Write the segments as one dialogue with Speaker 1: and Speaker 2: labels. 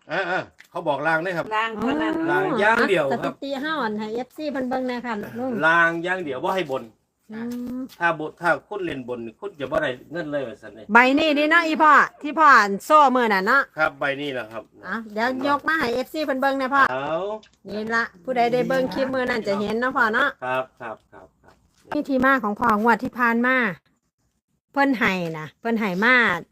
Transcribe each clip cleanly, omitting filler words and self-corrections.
Speaker 1: เขาบอกลางได้ครับ
Speaker 2: ล่างเท่านั้น
Speaker 1: ลางอย่างเดียวครับ
Speaker 3: สถิติห้าอ่อนให้ FC เพิ่นเบิ่งแหน่ค่ะลุง
Speaker 1: ลางอย่างเดียวว่าให้บน
Speaker 3: อืม
Speaker 1: ถ้าคุณเล่นบนคุณจะบ่ได้เงินเลยว่าซั่นนี่
Speaker 3: ใบนี้นี่เนาะอีพ่อที่พ่อโซ่มือน่ะเนาะ
Speaker 1: ครับใบนี้แหละครับ
Speaker 3: เดี๋ยวยกมาให้ FC เพิ่นเบิ่งแหน่พ่อ
Speaker 1: เอา
Speaker 3: นี่ละผู้ใดได้เบิ่งคลิปมือนั่นจะเห็นเนาะพ่อเนาะ
Speaker 1: ครับ
Speaker 3: นี่ที่มาของพ่องวดที่ผ่านมาเพิ่นให้นะเพิ่นให้มา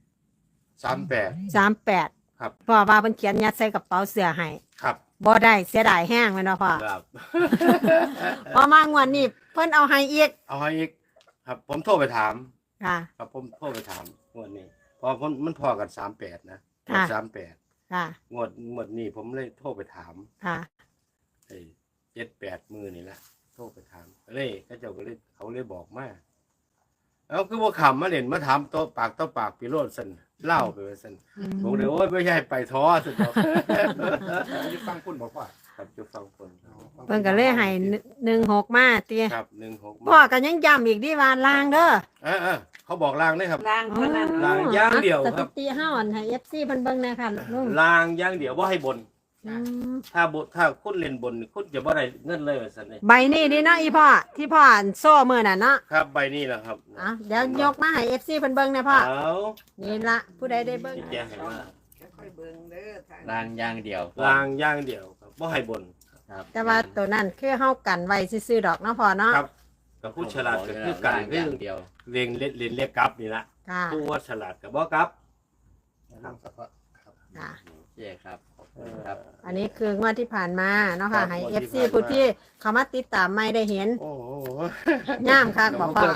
Speaker 1: 38
Speaker 3: 38
Speaker 1: ครับ
Speaker 3: พ่อว่าเพิ่นเขียนยัดใส่กระเป๋าเสื้อให้
Speaker 1: ครับ
Speaker 3: บ่ได้เสียดายแห้งแม่นบ่พ่อ
Speaker 1: ครับ
Speaker 3: พอมางวดนี้เพิ่นเอาให้อีก
Speaker 1: เอาให้อีกครับ ผมโทรไปถาม
Speaker 3: ค่ะ
Speaker 1: ครับผมโทรไปถามงวดนี้เพอมันพอกัน38นะ
Speaker 3: ค่ะ
Speaker 1: 38
Speaker 3: ค่ะ
Speaker 1: งวดนี้ผมเลยโทรไปถาม
Speaker 3: ค่ะ
Speaker 1: ไอ้7-8มือนี่ละโทรไปถามเลยเขาเลยบอกมาเอาคือว่าขำมาเล่นมาถามโต๊ะปากพี่โรดสันเล่าไปว่าสันผมเลยโอ้ยไม่ใช่ไปท้อสุดหรอก
Speaker 4: จะฟังคุณบอกว่า
Speaker 1: ครับจะฟังคน
Speaker 3: เพิ่นก็เลยให้16มาติ
Speaker 1: ครับ16
Speaker 3: พ่อก็ยังย้ำอีกดิว่าลางเด้อ
Speaker 1: เขาบอกลางได้ครับ
Speaker 2: ล่างเท่านั้น
Speaker 1: ลางอย่างเดียวครับ
Speaker 3: สถิติห้าอ่อนให้ FC เพิ่นเบิ่งแหน่ค่ะลุง
Speaker 1: ลางอย่างเดียวว่าให้บน
Speaker 3: อืม
Speaker 1: ถ้าคุณเล่นบนคุณจะบ่ได้เงินเลยว่าซั่นนี่
Speaker 3: ใบนี้นี่เนาะอีพ่อที่พ่อโซ่มือน่ะเนาะ
Speaker 1: ครับใบนี้แหละครับ
Speaker 3: เดี๋ยวยกมาให้ FC เพิ่นเบิ่งแหน่พ่อ
Speaker 1: เอา
Speaker 3: นี่ละผู้ใดได้เบิ่ง
Speaker 1: แจ้งให้ว่า
Speaker 2: ค่อยๆเบิ่งเด้อทาง
Speaker 5: รางอย่างเดียว
Speaker 1: ลางอย่างเดียวครับบ่ให้บน
Speaker 5: ครับ
Speaker 3: แต่ว่าตัวนั้นคือเฮากันไว้ซื่อๆดอกเนาะพ่อเนาะ
Speaker 1: ครับกับผู้ฉลาดก็คือกัน
Speaker 5: รางอย่างเดียว
Speaker 1: เรียนเรียกกลับนี่ละ
Speaker 3: ค่ะ
Speaker 1: ผู้ว่าฉลาดกับบ่กลับ
Speaker 4: ครับครับ
Speaker 3: ค่ะ
Speaker 5: โอเคครับขอบคุณครับ
Speaker 3: อันนี้คืองวดที่ผ่านมาเนาะค่ะให้ FC ผู้ที่เขามาติดตามไม่ได้เห็น
Speaker 1: โอ้โห
Speaker 3: ย่ามคักบอกพ่อ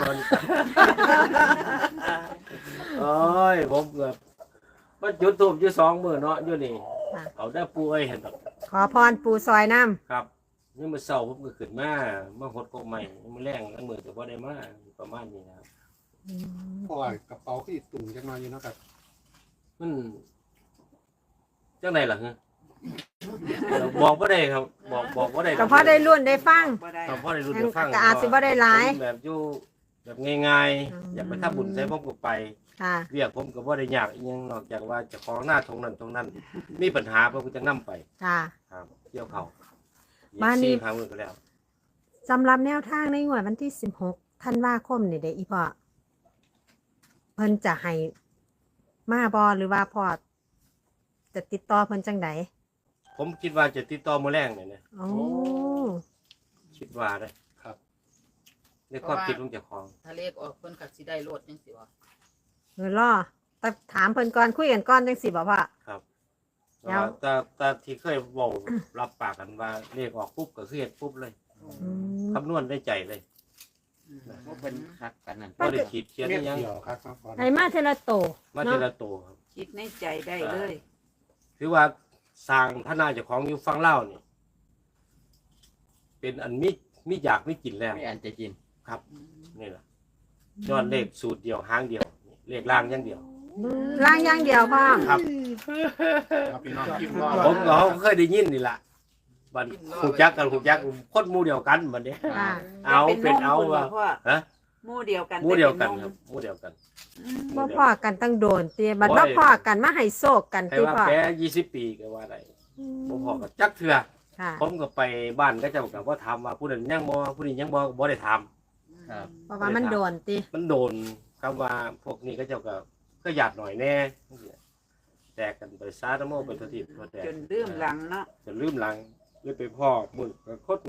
Speaker 1: โอ้ยผมเกือบมันจุดทูบอยู่2มื้อเนาะอยู่นี่เอาได้ปูเอ้ยเห็นดอก
Speaker 3: ขอพรปูซอยน้
Speaker 1: ครับนี่มื้อเช้าผมก็ขึ้นมาหดกกใหม่มื้อแรงแล้วมื้อก็บ่ได้มาประมาณนี้นะครับ
Speaker 4: เพราะว่ากระเป๋าที่ตุ่มจังมาอยู่เนาะครับ
Speaker 1: มันจังไดล่ะฮะบอกบ่ได้ครับ บอกบ่ได้
Speaker 3: ำก็พอได้รุ่นได้ฟัง
Speaker 2: บ่ได้
Speaker 1: ครับพอได้รู้ได้ฟัง
Speaker 3: ก็อาจสิบ่ได้หลาย
Speaker 1: ผมแบบอยู่แบบง่าย
Speaker 3: อืม
Speaker 1: ๆอยากไปทำบุญใส่ผมก็ไป
Speaker 3: ค่ะ
Speaker 1: เรียกผมก็บ่ได้ยากอีหยังนอกจากว่าเจะของหน้าตรงนั้น มีปัญหาผมก็จะนํไป
Speaker 3: ค่ะ
Speaker 1: ครับเกี่ยวเขา
Speaker 3: บ้านนี้
Speaker 1: พามือก็แล้ว
Speaker 3: สำหรับแนวทางในงวดวันที่16ธันวาคมนี่เด้ออีพ่อเพิ่นจะให้มาบ่หรือว่าพ่อจะติดต่อเพิ่นจังได
Speaker 1: ผมคิดว่าจะติดต่อมื้อแรงเนี่ยนะ
Speaker 3: โอ้
Speaker 1: คิดว่าได้
Speaker 4: ครับ
Speaker 1: ในความคิดของเจ้าของ
Speaker 2: ถ้าเลขออกเพิ่นก็สิได้โลดจังซี่บ่
Speaker 3: เงินล่อแต่ถามเพิ่นก่อนคุยกันก่อนจังสิบ่พ่อ
Speaker 1: ครับ
Speaker 3: แล้ว
Speaker 1: แต่ที่เคยเว้ารับปากกันว่าเลขออกปุ๊บก็คือเฮ็ดปุ๊บเลย
Speaker 3: อืม
Speaker 1: คำนวณได้ใจเลย
Speaker 5: ว่าเป็นคักกันนั่น
Speaker 1: บ่ได้ขีดเขียน
Speaker 4: เม็
Speaker 1: อิ
Speaker 4: ด
Speaker 1: หยัง
Speaker 4: เดียวครับครับก่อน
Speaker 3: ให้มาเทละโต
Speaker 1: มาที
Speaker 3: เนาะ
Speaker 1: ละตัวครับ
Speaker 2: คิดในใจได้เลย
Speaker 1: ถือว่าสร้างพระนาเจ้าของอยู่ฟังเล่าวนี่เป็นอันมีอยากมีกินแล้ว
Speaker 5: ไม่อันจะกิน
Speaker 1: ครับนี่แหละยอดเลขสูตรเดียวหางเดียวนี่เลขล่างอย่างเดียว
Speaker 3: ล่างอย่างเดียวพ่อ
Speaker 1: ครับ
Speaker 4: ครับพี่น้องกินรอ
Speaker 1: ผมก็เคยได้ยินนี่แหละบันหูจักกันหูจักคนหมู่เดียวกันบัดนี้
Speaker 3: ค่ะ
Speaker 1: เอาเป็นเอา
Speaker 2: ว่า
Speaker 1: ว่าฮะ
Speaker 2: หมู่เดียวกัน
Speaker 1: หมู่เดียวกันครับหมู่เดียวกัน
Speaker 3: บ่พ่อกันตั้งโดนตีบัดบ่พ่อกันมาให้โศกกัน
Speaker 1: ให้
Speaker 3: ตี
Speaker 1: ว่า
Speaker 3: พ่อ
Speaker 1: แป20 ปีก็ว่าได้บ่พอก็จักเทื่อ
Speaker 3: ค่ะ
Speaker 1: ผมก็ไปบ้านก็เจ้าก็บ่ถามว่าผู้นั้นยังบ่ผู้นี้ยังบ่ก็บ่ได้ถาม
Speaker 5: ครับ
Speaker 3: เพราะว่ามันโดนตี
Speaker 1: มันโดนคำว่าพวกนี้ก็เจ้าก็หยาดหน่อยแน่แตกกันไปซาตะโมไปทุกทีพอแตก
Speaker 2: จนลืมหลังเนาะ
Speaker 1: จนลืมหลังเลยไปพ่อมึงก็คด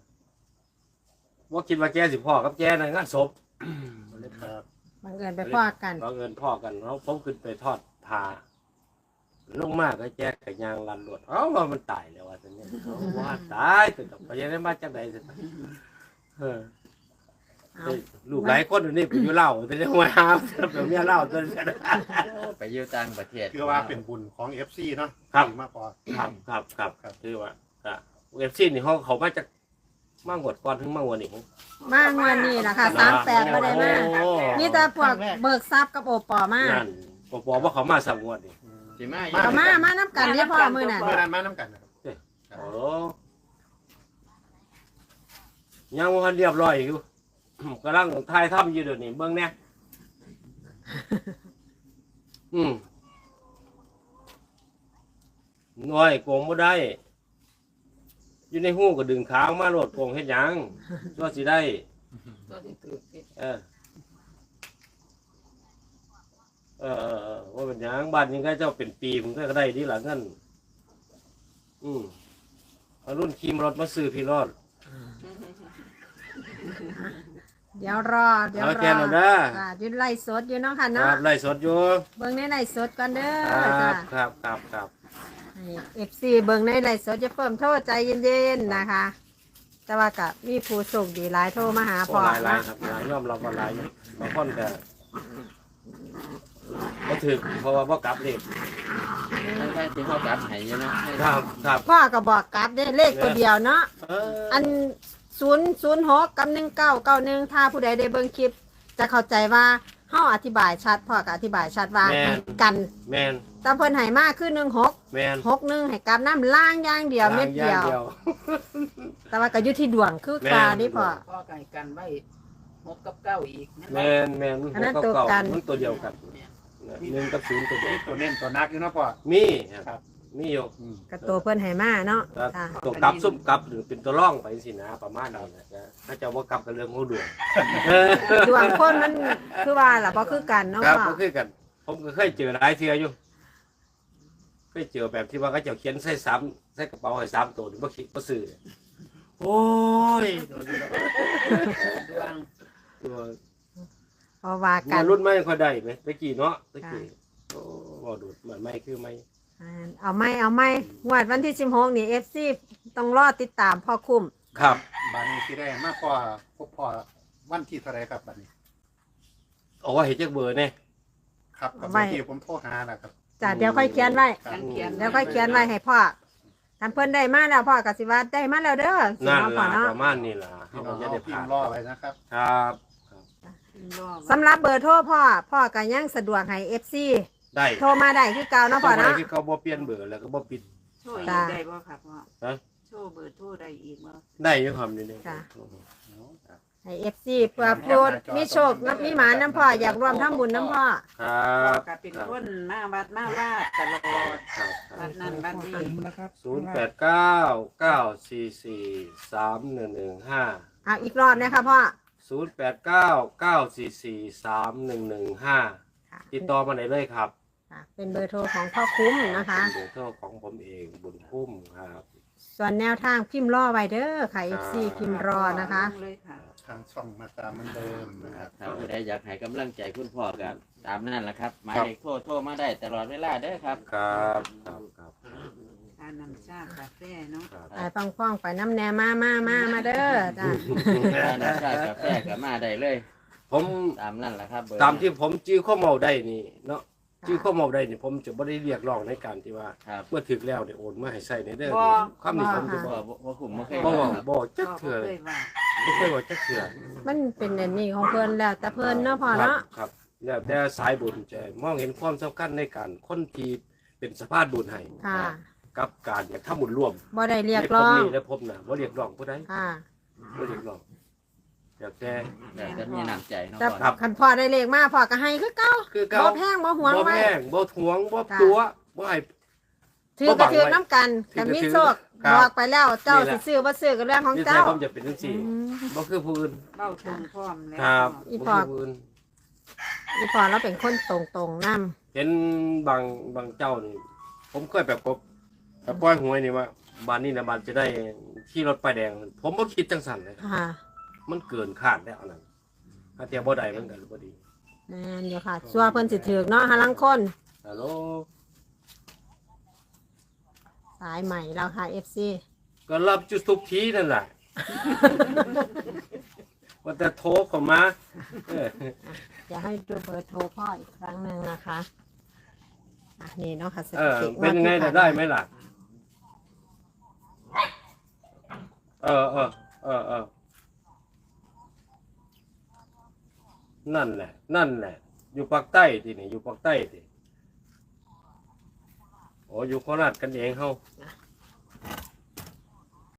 Speaker 1: ว่าคิดว่าแกสิพ่อกับแกในงานศพ
Speaker 4: ครับ
Speaker 3: บังเอิญไปพ่อกัน
Speaker 1: เราเงินพ่อกันเราผมขึ้นไปทอดผ้าลงมากก็แจกกับยางลันรวดว่ามันตายแล้วว่าจะเนี่ยว่าตายแต่ไปยังได้มาจากไหนสิลูกหลายคนอยู่นี่ไปอยู่เล่าแต่ยังมาหาแบบเมียเล่าจน
Speaker 5: ไปอยู่ต่างประเทศ
Speaker 4: คือว่าเป็นบุญของ FC เนาะ
Speaker 1: ครับ
Speaker 4: ดีมากพอ
Speaker 1: ครับคือว่าเอฟซีนี่เขามาจากมางวดก่อนถึงมางวดนี้
Speaker 3: มางวันนี้ล่ะค่ะ38บ่ได้มามีแต่พวกเบิกทรัพย์กับโอปอมา
Speaker 1: นั่นบอกว่าเขามาสามงวดนี่
Speaker 5: สิมา
Speaker 3: ก็มานํกันนี่พ่อมื้อนั้น
Speaker 4: เมื่อนั้นมาน้ำกันนะครับ
Speaker 1: โอ้ยังวันเรียบร้อยอยู่ กำลังถ่ายทำอยู่เดี๋ยวนี้เบิ่งเนี่ยน้อยโกงบ่ได้ อยู่ในหู้ก็ดึงขาออกมาโลดโกงเฮ็ดหยังตัวสิได้
Speaker 2: ตัวที่ถือผิด
Speaker 1: เออว่าเป็นหยังบ้านนี้ก็เจ้าเป็นปีผมก็ได้ดีหลังเงินเอารุ่นขี่รถมาซื้อพี่รอด
Speaker 3: เดี๋ยวรอ
Speaker 1: เอาแกนเอาเด้อ
Speaker 3: จ้ะอยืนไล่สดอยู่เนาะค่ะ
Speaker 1: ค
Speaker 3: เนาะ
Speaker 1: รับไล่สดอยู่
Speaker 3: เบิ่งในไล่สดก่อนเด้อ
Speaker 1: ค
Speaker 3: จ้ะ
Speaker 1: รับครับ
Speaker 3: เอฟซีเบิ่งในไล่สดจะเพิ่มโทษใจเย็นๆนะคะ แต่ว่ากับมีผู้ส่งดีหลายโทรมาหา
Speaker 1: โอ้
Speaker 3: พ่อ
Speaker 1: หลาย
Speaker 3: เนาะ
Speaker 1: ครับหลายยอมรับว่าหลายบางคนก็บ่ถึกเพราะว่าบ่กลับเลข
Speaker 5: ทั้งที่เขาจับให้อยู่เนาะ
Speaker 1: ครับ
Speaker 3: พ่อก็บอกกลับได้เลขตัวเดียวเนาะ
Speaker 1: เออ
Speaker 3: อัน006กับ1991ถ้าผู้ใดได้เบิ่งคลิป จะเข้าใจว่าเฮาอธิบายชัดพ่อก็อธิบายชัดว่าให้กัน
Speaker 1: แมน
Speaker 3: แต่เพิ่นให้มาคือ16
Speaker 1: แมน
Speaker 3: 61ให้กลับน้ำล่างอย่างเดียวเม็ดเดียว แต่ว่าก็อยู่ที่ดวงคือปลานี่พ่อ
Speaker 2: พ่อไก่กันไว้6กับ9อีกนั่น
Speaker 1: แม
Speaker 2: แหละ
Speaker 1: น
Speaker 3: อันนั้น
Speaker 1: ห
Speaker 3: ตัวกัน
Speaker 1: มันตัวเดียวกัน1กับ0ตัวเดียว
Speaker 4: ตัวเน้นตัวนักอยู่เนาะพ่อ
Speaker 1: มีค
Speaker 4: ครั
Speaker 1: รับบ มีอยู่
Speaker 3: ก็ตัวเพิ่นให้มาเนาะ
Speaker 1: ครับ
Speaker 3: จ้ะ
Speaker 1: ตัวกลับซุ่มกลับหรือเป็นตัวร่องไปสินะประมาณนั้นนะถ้าเจะว่ากลับกับเรื่องของดวง
Speaker 3: ดวงคนมันคือว่าล่ะบ่คือกันเนาะ
Speaker 1: ครับ
Speaker 3: พ่อ
Speaker 1: ก็คือกัน ผมก็เคยเจอหลายเทื่ออยู่เคยเจอแบบที่ว่าเขาเจะเขียนใส่ซ้ำใส่กระเป๋าให้3ตัวบ่คิดบ่ซื้อโอ้ย
Speaker 2: ดวง
Speaker 1: ตัว
Speaker 3: เพราะว่ากั
Speaker 1: มาน รุ่นไม่ค่อยได้ไหมตะกี้เนาะตะกี้โอ้บ่ดูดเหมือนไม่คือไม่
Speaker 3: เอาไหมงวดวันที่16นี่ FC ต้องรอติดตามพ่อคุ้ม
Speaker 1: ครับ
Speaker 4: บัดนี้สิได้มากกว่าพวกพ่อวันที่เท่าไรครับบัดนี้
Speaker 1: เอาว่าเห็นจักเบอร์เนี่ย
Speaker 4: ครับกับเมื่อกี้ผมโทรหาแหละครับ
Speaker 3: จ้ะเดี๋ยวค่อยเขียนไว้
Speaker 2: กันเขียน
Speaker 3: เดี๋ยวค่อยเขียนไว้ให้พ่อท่านเพิ่นได้มาแล้วพ่อก็สิว่าได้มาแล้วเด้อสิ
Speaker 1: นั่น
Speaker 3: เนาะพ่อ
Speaker 1: ล่ะ
Speaker 3: เนาะ
Speaker 1: ประมาณนี้ล่ะ
Speaker 4: พี่
Speaker 1: เขา
Speaker 4: น้
Speaker 1: ก็
Speaker 4: อง
Speaker 1: จะ
Speaker 4: เอา
Speaker 1: ได้
Speaker 4: พิ
Speaker 1: ผ่าม น
Speaker 4: พ์รอไว้นะครับ
Speaker 1: ครับ
Speaker 2: รอ
Speaker 3: สำหรับเบอร์โทรพ่อก็ยังสะดวกให้ FC
Speaker 1: ได้
Speaker 3: โทรมาได้คือเก่าเนาะพ่อ
Speaker 1: เนาะ
Speaker 3: เนาะ
Speaker 1: ที่เขาบ่เปลี่ยนเบอร์แล้วก็บ่ปิด
Speaker 2: โชว์อี
Speaker 3: จ้ะ
Speaker 2: กได้บ่ครับพ่อ
Speaker 1: ฮะ
Speaker 2: โชว์เบอร์โทรได้อีกบ่
Speaker 1: ได้อยู่ครับนี่
Speaker 3: จ้ะ
Speaker 1: ครับ
Speaker 3: ให้ FC เพื่อพูดมีโชคมีหมาน้ำพ่ออยากร่วมทำบุญน้ำพ่อ
Speaker 1: ครั
Speaker 2: พ่อบ ก็เป็นคนมาวัดมาว่าตลอด
Speaker 1: ครับ
Speaker 2: วัดนั้นวัดนี้
Speaker 1: 089 944 3115
Speaker 3: เอาอีกรอบนะคะพ่อ
Speaker 1: 089 944 3115ติดต่อมาได้เลยครับ
Speaker 3: ค่ะเป็นเบอร์โทรของพ่อคุ้มนะคะ
Speaker 1: เป็นเบอร์โทรของผมเองบุญคุ้มครับ
Speaker 3: ส่วนแนวทางพิมพ์รอไว้เด้อค่ะ FC พิมพ์รอนะคะ
Speaker 2: เลยค่ะ
Speaker 4: ทางช่องมาตามเหมือนเดิมนะครับ
Speaker 5: ถ้าผู้ใดอยากให้กำลังใจคุณพ่อกับตามนั่นแหละครับหมายเลขโทรมาได้ตลอดเวลาเด้อครับ
Speaker 1: ครับครับ
Speaker 2: ทานน้ำชากาแฟเนาะ
Speaker 1: ครับ
Speaker 3: ไปป้องๆไปน้ำแหนมาเด้อจ้ะ
Speaker 5: ถ้าน้ำชากาแฟก็มาได้เลย
Speaker 1: ผม
Speaker 5: ตามนั่นแหละครับเบอร์
Speaker 1: ตามที่ผมจื้อข้อเมาได้นี่เนาะจื้อข้อเมาได้นี่ผมจะไม่ได้เรียกร้องในการที่ว่า
Speaker 5: ครับ
Speaker 1: เมื่อถึกแล้วเนี่ยโอนมาให้ใส่ในเด้อคำนี้ผมจะ
Speaker 5: บ่
Speaker 1: บอก
Speaker 5: บ่คุ้มบ่เคย
Speaker 1: บ่
Speaker 5: บอก
Speaker 1: บอก
Speaker 2: พ่
Speaker 1: จัก
Speaker 2: อ
Speaker 1: เถื่อ
Speaker 2: เคยว่า
Speaker 1: ไม่เคยบอกจักเถื่อ
Speaker 3: มันเป็นอันนี้ของเพิ่นแล้วแต่เพิ่นเนาะพ่อ
Speaker 1: ครับ
Speaker 3: เนาะ
Speaker 1: ครับแล้วแต่สายบุญจะมองเห็นความสำคัญในการคนที่เป็นสภาพบุญให้
Speaker 3: ค่ะ
Speaker 1: กับการอยากทำบุญร่วม
Speaker 3: บ่ได้เรียกร้อง
Speaker 1: ในพบนี้และพบน่ะบ่เรียกร้องผู้ใด
Speaker 3: ค่ะ
Speaker 1: บ่เรียกร้องอยากแต่
Speaker 5: แต่จะมีน้ำใจเนาะ
Speaker 3: แต่
Speaker 5: พ่อ
Speaker 1: ครับ
Speaker 3: คันพ่อได้เลขมาพ่อก็ให้คือเก่า
Speaker 1: คือเก่า
Speaker 3: บ่แพงบ่หวง
Speaker 1: บ่
Speaker 3: ไว้
Speaker 1: แพงบ่ทวงบ่
Speaker 3: ค่ะ
Speaker 1: ตัวบ่ให้
Speaker 3: ถือก็ถือน้ำกัน
Speaker 1: ถือก็
Speaker 3: กันมี
Speaker 1: ถือ
Speaker 3: โชค
Speaker 1: ครับ
Speaker 3: บอกไปแล้วเจ้า
Speaker 1: นี่แห
Speaker 3: สิ
Speaker 1: ละ
Speaker 3: ซื้อบ่ซื้อก็เรื่องของ
Speaker 1: นี่แท้
Speaker 3: เจ้า
Speaker 1: ผมจะเป็นจังซี่
Speaker 3: อืม
Speaker 1: บ่คือผู้อื่น
Speaker 2: เบ้าตรงพร้อมแล้ว
Speaker 1: ครับ
Speaker 3: อี
Speaker 1: บ่
Speaker 3: พอ
Speaker 1: คือผู้อื่น
Speaker 3: อีพ่อเราเป็นคนตรงๆนำ
Speaker 1: เห็นบางเจ้านี่ผมเคยแบบปล่อยหวยนี่ว่าบ้านนี้นะบ้านจะได้ขี่รถป้ายแดง ผมบ่คิดจังสั่นเลยครับ
Speaker 3: ค่ะ
Speaker 1: มันเกินคาดแล้วอันนั้นถ้าเทียบบ่ได้มันก็บ่ดี
Speaker 3: แม่นอยู่ค่ะซัวเพิ่นสิถือกเนาะหาลังคน
Speaker 1: ฮัลโหล
Speaker 3: สายใหม่แล้วค่ะ FC
Speaker 1: ก็รับจุดทุกทีนั่นแหละ ว่าแต่โทรเข้ามา เออ
Speaker 3: จะให้ดูเบอร์โทรพ่ออีกครั้งหนึ่งนะคะอ่ะนี่เนาะค่ะส
Speaker 1: เอ
Speaker 3: ถิ
Speaker 1: อ
Speaker 3: ติ
Speaker 1: เป็นไง
Speaker 3: ที่
Speaker 1: น่ะ
Speaker 3: ผ่า
Speaker 1: ได้ไหมล่ะ เออ นั่นแหละ อยู่ภาคใต้ทีนี่อยู่ภาคใต้ทีโอ้อยู่โคราชกันเองเฮา
Speaker 3: ค